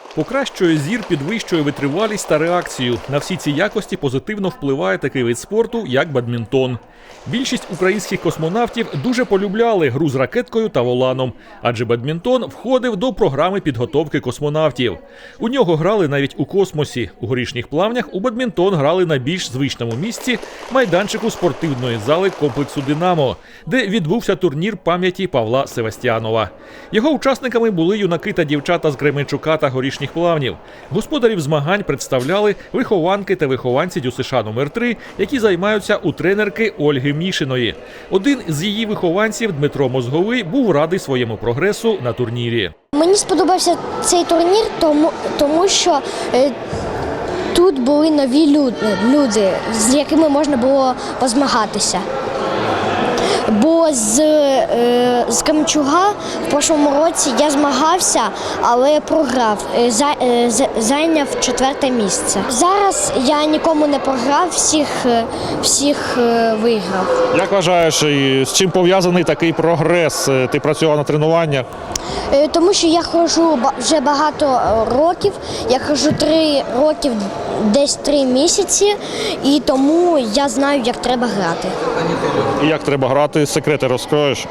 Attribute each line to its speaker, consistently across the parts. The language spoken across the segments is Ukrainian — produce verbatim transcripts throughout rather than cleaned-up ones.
Speaker 1: Покращує зір, підвищує витривалість та реакцію. На всі ці якості позитивно впливає такий вид спорту, як бадмінтон. Більшість українських космонавтів дуже полюбляли гру з ракеткою та воланом, адже бадмінтон входив до програми підготовки космонавтів. У нього грали навіть у космосі. У Горішніх Плавнях у бадмінтон грали на більш звичному місці – майданчику спортивної зали комплексу «Динамо», де відбувся турнір пам'яті Павла Севастьянова. Його учасниками були юнаки та дівчата з Кременчука та Горішніх Плавнів. Господарів змагань представляли вихованки та вихованці ДЮСШ номер три, які займаються у тренерки Ольги Мішиної. Один з її вихованців, Дмитро Мозговий, був радий своєму прогресу на турнірі.
Speaker 2: Мені сподобався цей турнір, тому, тому що е, тут були нові люди, люди, з якими можна було позмагатися. Бо з, е, з Кременчука в прошлому році я змагався, але програв, е, за, е, зайняв четверте місце. Зараз я нікому не програв, всіх, е, всіх е, виграв.
Speaker 3: Як вважаєш, з чим пов'язаний такий прогрес? Ти працював на тренуваннях?
Speaker 2: Е, тому що я ходжу вже багато років, я ходжу три роки, десь три місяці, і тому я знаю, як треба грати.
Speaker 3: І як треба грати? Секрети розкроєш?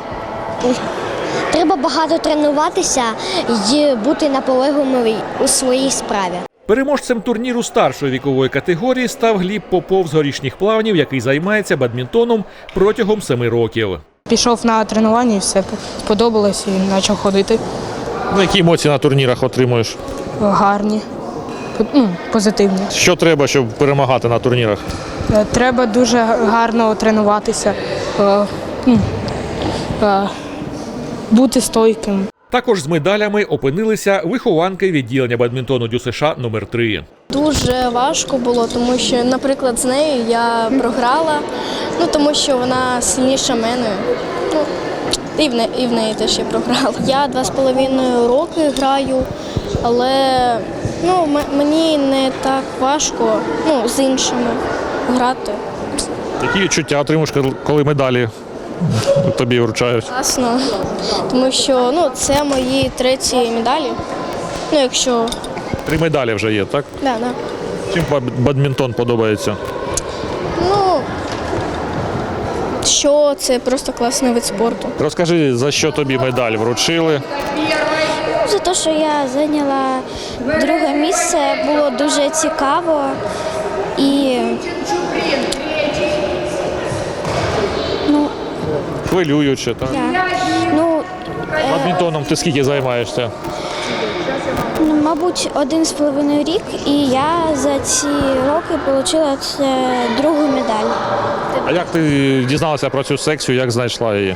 Speaker 2: Треба багато тренуватися і бути наполегливим у своїй справі.
Speaker 1: Переможцем турніру старшої вікової категорії став Гліб Попов з Горішніх Плавнів, який займається бадмінтоном протягом семи років.
Speaker 4: Пішов на тренування і все сподобалось і почав ходити.
Speaker 3: Ну, які емоції на турнірах отримуєш?
Speaker 4: Гарні, ну, позитивні.
Speaker 3: Що треба, щоб перемагати на турнірах?
Speaker 4: Треба дуже гарно тренуватися, е, ну, е, бути стойким.
Speaker 1: Також з медалями опинилися вихованки відділення бадмінтону ДЮСШ номер три.
Speaker 5: Дуже важко було, тому що, наприклад, з нею я програла, ну, тому що вона сильніша мене. Ну, і в неї, і в неї теж я програла. Я два з половиною роки граю, але ну, мені не так важко, ну, з іншими грати.
Speaker 3: Які відчуття отримуєш, коли медалі тобі вручають?
Speaker 5: Класно, тому що ну, це мої треті медалі. Ну, якщо...
Speaker 3: Три медалі вже є, так?
Speaker 5: Да, да.
Speaker 3: Чим бадмінтон подобається?
Speaker 5: Ну, що це просто класний вид спорту.
Speaker 3: Розкажи, за що тобі медаль вручили?
Speaker 2: За те, що я зайняла друге місце, було дуже цікаво і ну,
Speaker 3: Хвилююче, так?
Speaker 2: я, ну,
Speaker 3: Бадмінтоном ти скільки займаєшся?
Speaker 2: ну, мабуть, один з половиною рік, і я за ці роки отримала другу медаль.
Speaker 3: А як ти дізналася про цю секцію, як знайшла її?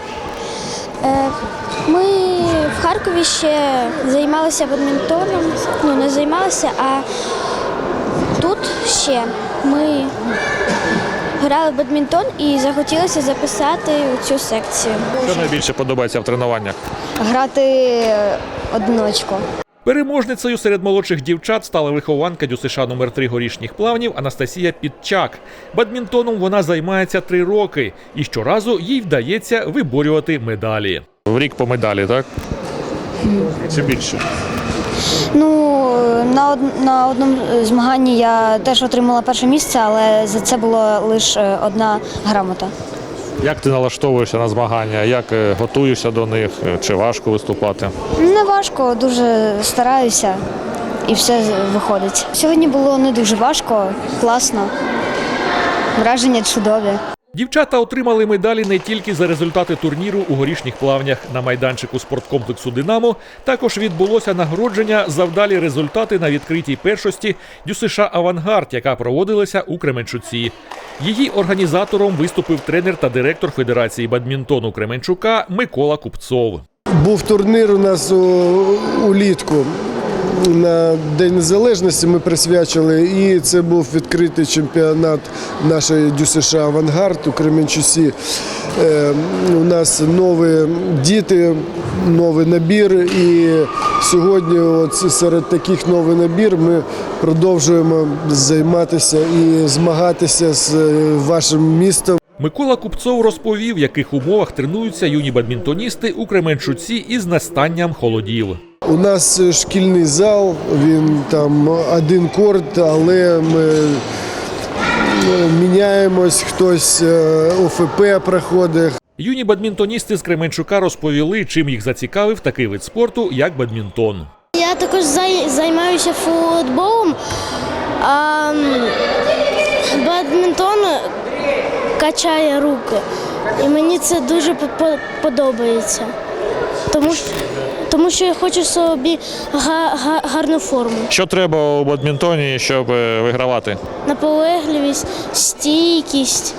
Speaker 2: Ми в Харкові ще займалися бадмінтоном, ну не займалися, а тут ще ми грали в бадмінтон і захотілося записати у цю секцію.
Speaker 3: Що найбільше подобається в тренуваннях?
Speaker 2: Грати одиночку.
Speaker 1: Переможницею серед молодших дівчат стала вихованка ДЮСШ номер три Горішніх Плавнів Анастасія Підчак. Бадмінтоном вона займається три роки, і щоразу їй вдається виборювати медалі.
Speaker 3: В рік по медалі, так? Чи більше?
Speaker 6: Ну, на, од... на одному змаганні я теж отримала перше місце, але за це була лише одна грамота.
Speaker 3: Як ти налаштовуєшся на змагання? Як готуєшся до них? Чи важко виступати?
Speaker 6: Не важко, дуже стараюся і все виходить. Сьогодні було не дуже важко, класно, враження чудові.
Speaker 1: Дівчата отримали медалі не тільки за результати турніру у Горішніх Плавнях. На майданчику спорткомплексу «Динамо» також відбулося нагородження за вдалі результати на відкритій першості ДЮСШ «Авангард», яка проводилася у Кременчуці. Її організатором виступив тренер та директор Федерації бадмінтону Кременчука Микола Купцов.
Speaker 7: Був турнір у нас у, улітку. На День Незалежності ми присвячили, і це був відкритий чемпіонат нашої ДЮСШ «Авангард» у Кременчуці. Е, у нас нові діти, новий набір, і сьогодні от серед таких новий набір ми продовжуємо займатися і змагатися з вашим містом.
Speaker 1: Микола Купцов розповів, в яких умовах тренуються юні бадмінтоністи у Кременчуці із настанням холодів.
Speaker 7: У нас шкільний зал, він там один корт, але ми міняємось, хтось О Ф П проходить.
Speaker 1: Юні бадмінтоністи з Кременчука розповіли, чим їх зацікавив такий вид спорту, як бадмінтон.
Speaker 2: Я також зай- займаюся футболом, а м, бадмінтон качає руки. І мені це дуже по- подобається. Тому, що- тому що я хочу собі га- га- гарну форму.
Speaker 3: Що треба у бадмінтоні, щоб е, вигравати?
Speaker 2: Наполегливість, стійкість,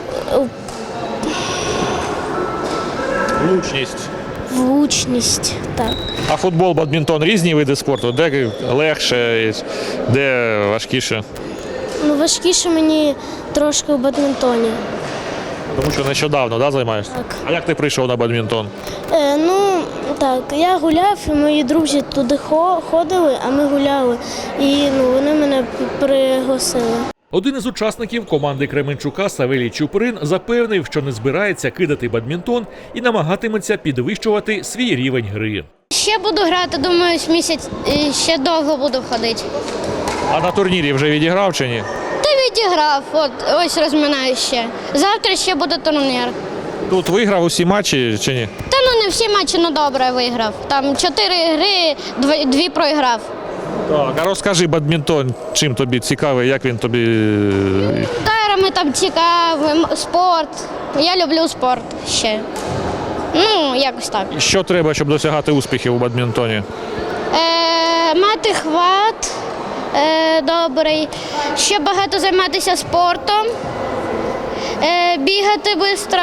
Speaker 3: Влучність.
Speaker 2: влучність. Так.
Speaker 3: А футбол, бадмінтон різні види спорту? Де легше, де важкіше?
Speaker 2: Ну, важкіше мені трошки у бадмінтоні.
Speaker 3: Тому що нещодавно, да, займаєшся?
Speaker 2: Так.
Speaker 3: А як ти прийшов на бадмінтон?
Speaker 2: Е, ну, так, я гуляв, і мої друзі туди хо- ходили, а ми гуляли. І ну, вони мене п- пригласили.
Speaker 1: Один із учасників команди Кременчука Савелій Чуприн запевнив, що не збирається кидати бадмінтон і намагатиметься підвищувати свій рівень гри.
Speaker 2: Ще буду грати, думаю, місяць, ще довго буду ходити.
Speaker 3: А на турнірі вже відіграв чи ні?
Speaker 2: Та відіграв, от ось розминаю ще. Завтра ще буде турнір.
Speaker 3: Тут виграв усі матчі чи ні?
Speaker 2: Та ну не всі матчі, ну добре виграв. Там чотири гри, дві, дві програв.
Speaker 3: Так. А розкажи, бадмінтон, чим тобі цікавий, як він тобі.
Speaker 2: Тайрами там цікавим, спорт. Я люблю спорт ще. Ну, якось так.
Speaker 3: Що треба, щоб досягати успіхів у бадмінтоні?
Speaker 2: Е, мати хват е, добрий, ще багато займатися спортом, е, бігати швидко,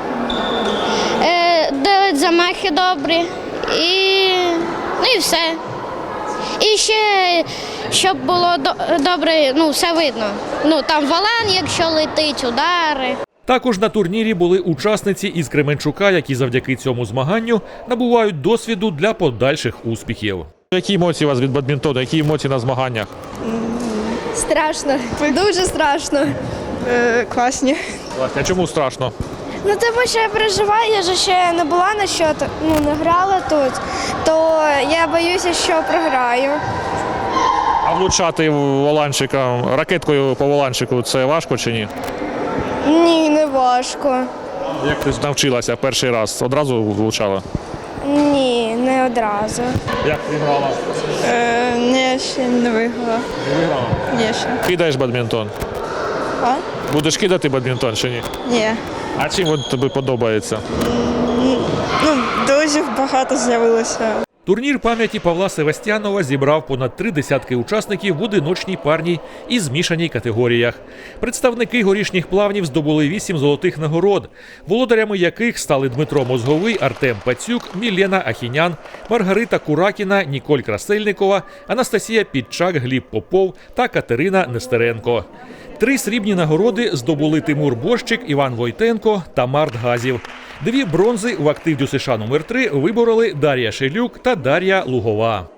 Speaker 2: е, делати замахи добрі і, ну і все. І ще, щоб було до- добре, ну, все видно. Ну, там валан, якщо летить, удари.
Speaker 1: Також на турнірі були учасниці із Кременчука, які завдяки цьому змаганню набувають досвіду для подальших успіхів.
Speaker 3: Які емоції у вас від бадмінтону, які емоції на змаганнях?
Speaker 5: Страшно, дуже страшно.
Speaker 4: Е, класні.
Speaker 3: А чому страшно?
Speaker 5: Ну тому що я переживаю, я ж ще не була на що, ну не грала тут, то я боюся, що програю.
Speaker 3: А влучати воланчиком, ракеткою по воланчику це важко чи ні?
Speaker 5: Ні, не важко.
Speaker 3: Як ти навчилася перший раз? Одразу влучала?
Speaker 5: Ні, не одразу.
Speaker 3: Як ти грала?
Speaker 4: Е, ні, ще не виграла.
Speaker 3: Не виграла.
Speaker 4: Ні, ще.
Speaker 3: Кидаєш бадмінтон?
Speaker 4: А?
Speaker 3: Будеш кидати бадмінтон чи ні?
Speaker 4: Ні.
Speaker 3: А чим він тобі подобається?
Speaker 4: Ну, друзів багато з'явилося.
Speaker 1: Турнір пам'яті Павла Севастьянова зібрав понад три десятки учасників в одиночній, парній і змішаній категоріях. Представники горішніх плавнів здобули вісім золотих нагород, володарями яких стали Дмитро Мозговий, Артем Пацюк, Мілена Ахінян, Маргарита Куракіна, Ніколь Красельникова, Анастасія Підчак, Гліб Попов та Катерина Нестеренко. Три срібні нагороди здобули Тимур Борщик, Іван Войтенко та Март Газів. Дві бронзи в актив ДЮСШ номер три вибороли Дар'я Шелюк та Дар'я Лугова.